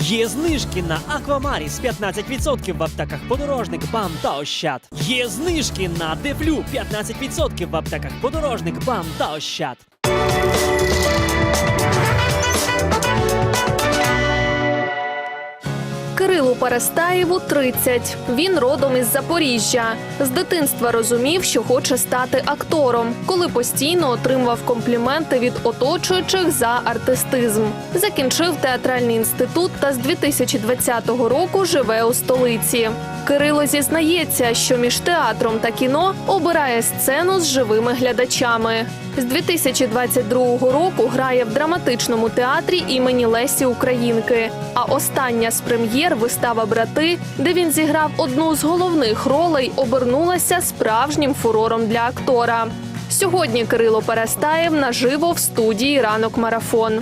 Є знижки на Аквамаріс 15% в аптеках Подорожник, БАМ та Ощад. Є знижки на Дефлю 15% в аптеках Подорожник, БАМ та Ощад. Кирилу Перестаєву 30. Він родом із Запоріжжя. З дитинства розумів, що хоче стати актором, коли постійно отримував компліменти від оточуючих за артистизм. Закінчив театральний інститут та з 2020 року живе у столиці. Кирило зізнається, що між театром та кіно обирає сцену з живими глядачами. З 2022 року грає в драматичному театрі імені Лесі Українки. А остання з прем'єр вистава «Брати», де він зіграв одну з головних ролей, обернулася справжнім фурором для актора. Сьогодні Кирило Перестаєв наживо в студії «Ранок Марафон».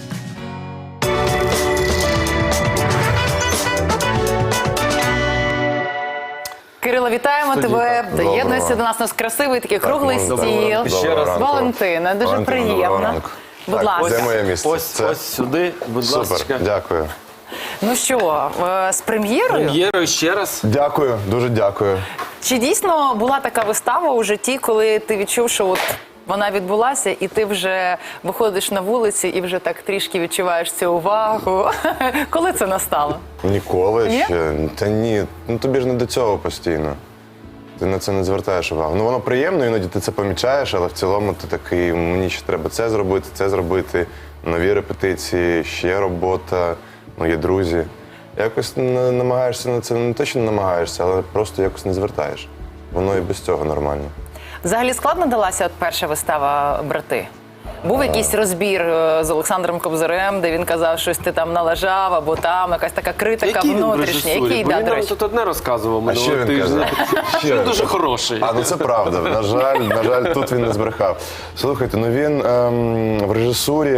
Кирило, вітаємо тебе. Доєднуйся до нас. У нас красивий такий круглий стіл. Ще раз. Валентина, дуже приємно. Будь ласка. Де моє місце? Ось сюди, будь ласка. Супер, дякую. Ну що, з прем'єрою? Прем'єрою ще раз. Дякую, дуже дякую. Чи дійсно була така вистава у житті, коли ти відчув, що от вона відбулася, і ти вже виходиш на вулиці і вже так трішки відчуваєш цю увагу? Коли це настало? Ніколи Ні? ще. Та ні, ну тобі ж не до цього постійно. Ти на це не звертаєш увагу. Ну воно приємно, іноді ти це помічаєш, але в цілому ти такий, мені ще треба це зробити, нові репетиції, ще робота, ну є друзі. Якось намагаєшся на це, не те, що не намагаєшся, але просто якось не звертаєш. Воно і без цього нормально. Взагалі складно далася от перша вистава «Брати»? Був якийсь розбір з Олександром Кобзарем, де він казав, щось ти там налажав, або там якась така критика внутрішня. Який, Бо да, він до нам речі? тут одне розказував А що минулого він тижня. каже? Він дуже хороший. А, ну це правда. На жаль, тут він не збрехав. Слухайте, ну він в режисурі.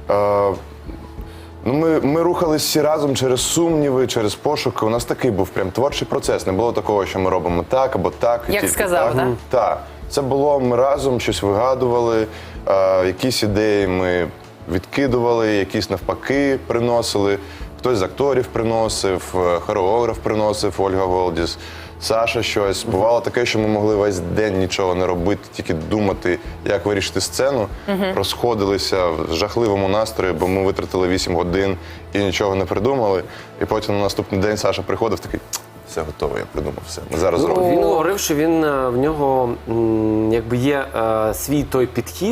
Ну, ми рухались всі разом через сумніви, через пошуки. У нас такий був прям творчий процес. Не було такого, що ми робимо так або так. і Як тільки сказав, так. да? Так. Це було, ми разом щось вигадували, якісь ідеї ми відкидували, якісь навпаки приносили. Хтось з акторів приносив, хореограф приносив, Ольга Голдіс, Саша щось. Бувало таке, що ми могли весь день нічого не робити, тільки думати, як вирішити сцену. Розходилися в жахливому настрої, бо ми витратили 8 годин і нічого не придумали. І потім на наступний день Саша приходив такий, все готово, я придумав все. Ми зараз зробимо. Він говорив, що в нього якби є свій той підхід,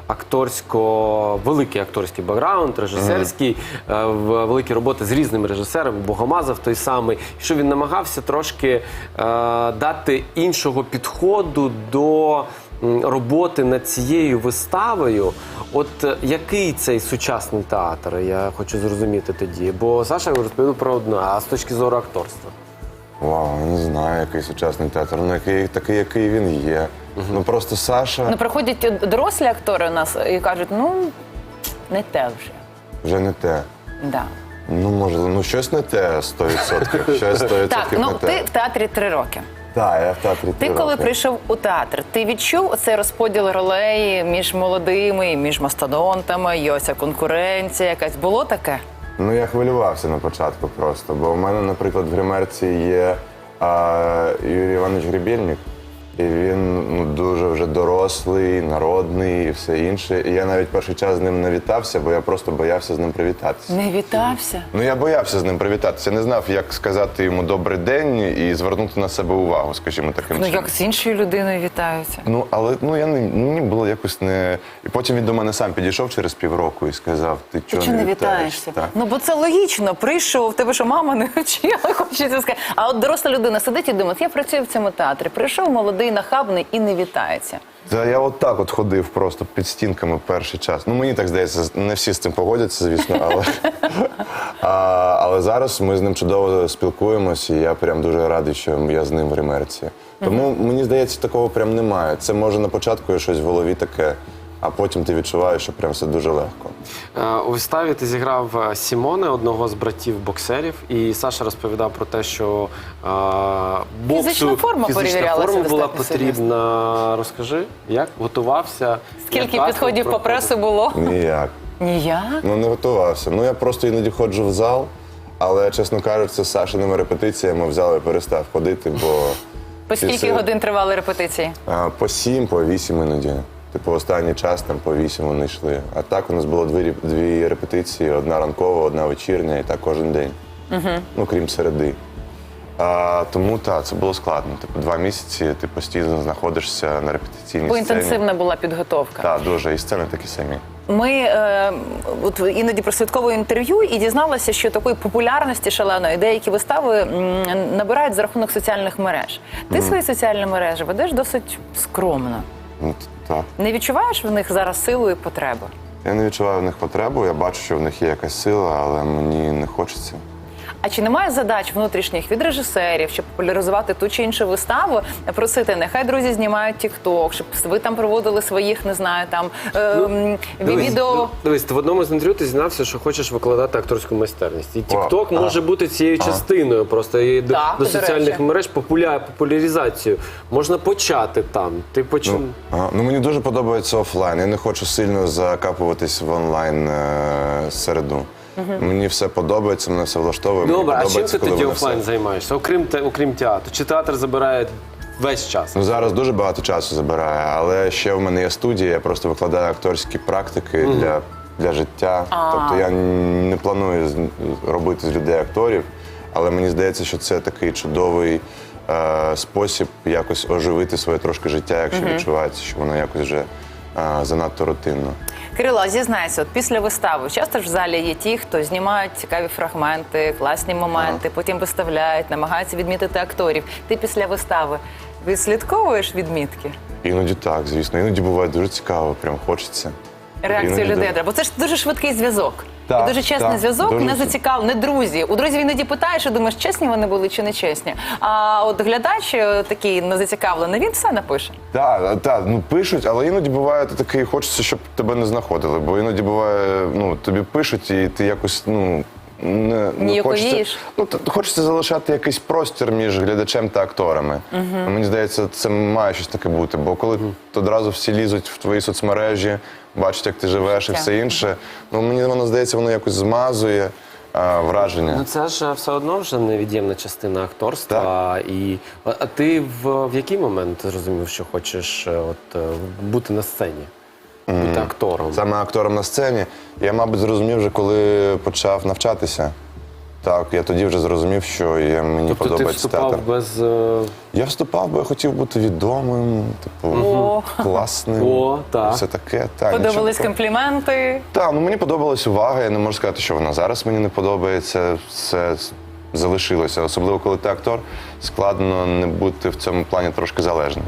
великий акторський бекграунд, режисерський, великі роботи з різними режисерами, Богомазов той самий, що він намагався трошки дати іншого підходу до роботи над цією виставою. От який цей сучасний театр, я хочу зрозуміти тоді, бо Саша розповів про одне, а з точки зору акторства? Вау, не знаю, який сучасний театр, ну такий, який він є. Ну просто Саша Ну, приходять дорослі актори у нас і кажуть, ну, не те вже. вже не те. Да. Ну, може, щось не те 100%. Щось 100% Так, ну не те. ти в театрі 3 роки. Так, я в театрі 3 Ти роки. коли прийшов у театр, ти відчув оцей розподіл ролей між молодими, між мастодонтами, є оця конкуренція якась? Було таке? Ну, я хвилювався на початку просто, бо в мене, наприклад, в гримерці є Юрій Іванович Гребельник, і він дуже вже дорослий, народний і все інше. І я навіть перший час з ним не вітався, бо я просто боявся з ним привітатися. Не вітався? Ну, я боявся з ним привітатися. Я не знав, як сказати йому «добрий день» і звернути на себе увагу, скажімо, таким Ну, чином. як з іншою людиною вітаються? Ну, але мені було якось не... І потім він до мене сам підійшов через півроку і сказав, ти чого Чи не вітаєшся? вітаєшся? Так. Ну, бо це логічно. Прийшов, тебе що, мама не вчила, хочеться сказати. А от доросла людина сидить і думає, я працюю в цьому театрі. Прийшов молодий, нахабний і не вітається. Та я отак от ходив просто під стінками перший час. Ну, мені так здається, не всі з цим погодяться, звісно, але... але зараз ми з ним чудово спілкуємося, і я прям дуже радий, що я з ним в гримерці. Тому, мені здається, такого прям немає. Це може на початку є щось в голові таке, а потім ти відчуваєш, що прям все дуже легко. У виставі ти зіграв Сімоне, одного з братів-боксерів, і Саша розповідав про те, що Фізична форма перевірялася форма була достатньо потрібна. Розкажи, як готувався? Скільки як підходів по пресу було? Ніяк. Ніяк. Ну, не готувався. Ну, я просто іноді ходжу в зал, Але, чесно кажучи, це з Сашиними репетиціями взяли і перестав ходити, бо По скільки всі- годин тривали репетиції? по 7, по 8 іноді. Типу, останній час там по 8 вони йшли. А так у нас було дві репетиції, одна ранкова, одна вечірня, і так кожен день. Ну, крім середи. Тому так, це було складно. Типу, 2 місяці ти постійно знаходишся на репетиційній Бо сцені. інтенсивна була підготовка. Так, дуже. І сцени такі самі. Ми от іноді прослідковуємо інтерв'ю і дізналася, що такої популярності шаленої деякі вистави набирають за рахунок соціальних мереж. Ти свої соціальні мережі ведеш досить скромно. Ну, так. Не відчуваєш в них зараз силу і потребу? Я не відчуваю в них потребу, я бачу, що в них є якась сила, але мені не хочеться. А чи немає задач внутрішніх від режисерів, щоб популяризувати ту чи іншу виставу, просити, нехай друзі знімають тік-ток, щоб ви там проводили своїх, не знаю, там відео. Дивись, ти в одному з інтерв'ю ти зізнався, що хочеш викладати акторську майстерність. І TikTok може бути цією частиною, просто і Так, до до соціальних речі. мереж популяризацію. Можна почати там. Ти почав. Ну, мені дуже подобається офлайн. Я не хочу сильно закапуватись в онлайн середу. Мені все подобається, мене все влаштовує. мені Добре, а чим подобається, ти коли тоді воно офлайн все- займаєшся? Окрім театру? Чи театр забирає весь час? Ну, зараз дуже багато часу забирає, але ще в мене є студія, я просто викладаю акторські практики для життя. Тобто я не планую робити з людей акторів, але мені здається, що це такий чудовий спосіб якось оживити своє трошки життя, якщо відчувається, що воно якось вже занадто рутинно. Кирило, зізнайся, от після вистави часто ж в залі є ті, хто знімають цікаві фрагменти, класні моменти, потім виставляють, намагаються відмітити акторів. Ти після вистави відслідковуєш відмітки? Іноді так, звісно. Іноді буває дуже цікаво, прям хочеться. Реакцію Іноді людей так. треба. Бо це ж дуже швидкий зв'язок. Так, І дуже чесний так, зв'язок, дуже не зацікавлений, не друзі. У друзів іноді питаєш і думаєш, чесні вони були чи не чесні. А от глядач такий незацікавлений, він все напише. Так, ну пишуть, але іноді буває ти такий, хочеться, щоб тебе не знаходили. Бо іноді буває, ну тобі пишуть, і ти якось, ну. Не Ніяковієш? хочеться, хочеться залишати якийсь простір між глядачем та акторами. Мені здається, це має щось таке бути, бо коли одразу всі лізуть в твої соцмережі, бачать, як ти живеш і все інше, ну мені воно здається, воно якось змазує враження. Ну це ж все одно вже невід'ємна частина акторства. А ти в який момент зрозумів, що хочеш бути на сцені? Бути актором? Саме актором на сцені. Я, мабуть, зрозумів вже, коли почав навчатися. Так, я тоді вже зрозумів, що мені Тобто ти подобається вступав театр. без... Я вступав, бо я хотів бути відомим, типу, класним. О, так. Все таке. Так, Подобались нічого. компліменти. Так, ну мені подобалась увага. Я не можу сказати, що вона зараз мені не подобається. Все залишилося. Особливо, коли ти актор, складно не бути в цьому плані трошки залежним.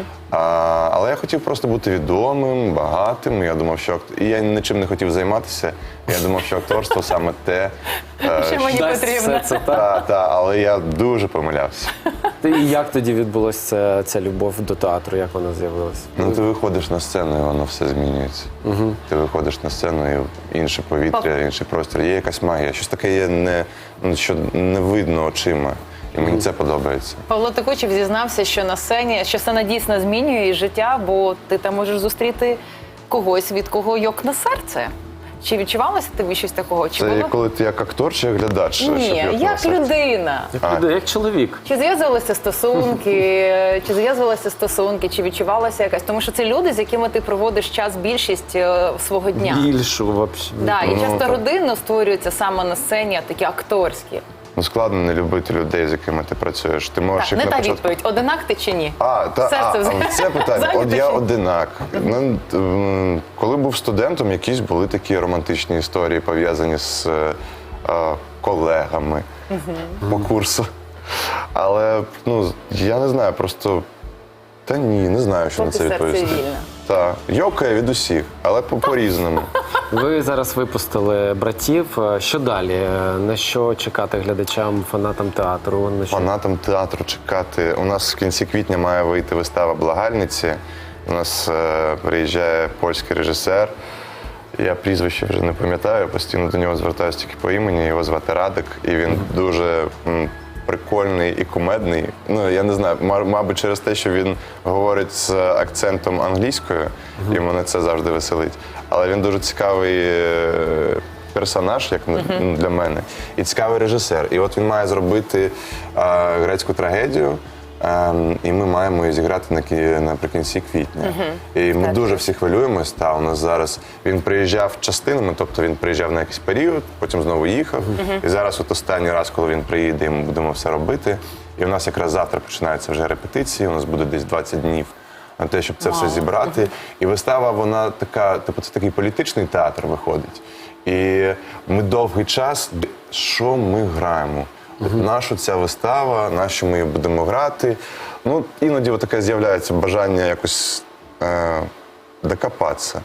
Але я хотів просто бути відомим, багатим. Я думав, що і я нічим не хотів займатися. Я думав, що акторство саме те, Що мені Дасть потрібно. все це, так? але я дуже помилявся. І як тоді відбулася ця любов до театру, як вона з'явилася? Ну, ти виходиш на сцену, і воно все змінюється. Ти виходиш на сцену, і інше повітря, інший простір. Є якась магія. Щось таке є, що не видно очима. І мені це подобається. Павло Текучев зізнався, що на сцені, що сцена дійсно змінює її життя, бо ти там можеш зустріти когось, від кого йок на серце. Чи відчувалося тобі щось такого? Чи Це було? коли ти як актор чи як глядач? щоб Ні, я як сказав? людина. Як чоловік. Чи зав'язувалися стосунки, чи відчувалася якась? Тому що це люди, з якими ти проводиш час більшість свого дня. Більшу, взагалі. Да, і Ну, часто так. родинно створюються саме на сцені, а такі акторські. Ну, складно не любити людей, з якими ти працюєш. Ти можеш Так, їх не на та початку... відповідь. Одинак ти чи ні? Це питання. От Зайнятий я чи ні? одинак. Коли був студентом, якісь були такі романтичні історії, пов'язані з колегами по курсу. Але я не знаю, просто та ні, не знаю, що на Поки це серце відповісти. вільне. Так, йокає від усіх, але по-різному. Ви зараз випустили «Братів». Що далі? На що чекати глядачам, фанатам театру? На що? Фанатам театру чекати. У нас в кінці квітня має вийти вистава «Благальниці». У нас приїжджає польський режисер. Я прізвище вже не пам'ятаю, постійно до нього звертаюся тільки по імені. Його звати Радик, і він дуже прикольний і кумедний. Ну, я не знаю, мабуть, через те, що він говорить з акцентом англійською, і мене це завжди веселить. Але він дуже цікавий персонаж, як для мене, і цікавий режисер. І от він має зробити грецьку трагедію. І ми маємо її зіграти наприкінці квітня. І ми дуже всі хвилюємось. У нас зараз він приїжджав частинами, тобто він приїжджав на якийсь період, потім знову їхав. І зараз от останній раз, коли він приїде, ми будемо все робити. І у нас якраз завтра починаються вже репетиції, у нас буде десь 20 днів на те, щоб це все зібрати. І вистава, вона така, типу, це такий політичний театр виходить. І ми довгий час, що ми граємо? Наша ця вистава, на що ми її будемо грати. Ну, іноді таке з'являється бажання якось докопатися.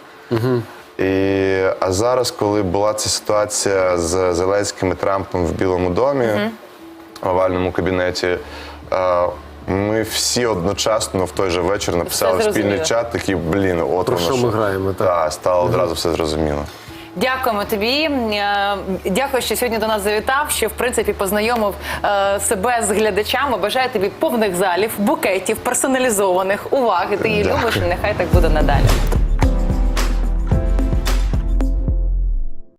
А зараз, коли була ця ситуація з Зеленським і Трампом в Білому домі, в овальному кабінеті, ми всі одночасно в той же вечір написали спільний чат, такий, от Про воно що ми граємо, так? Так, стало одразу все зрозуміло. Дякуємо тобі. Дякую, що сьогодні до нас завітав, що в принципі познайомив себе з глядачами. Бажаю тобі повних залів, букетів, персоналізованих уваги. Ти її любиш, і нехай так буде надалі.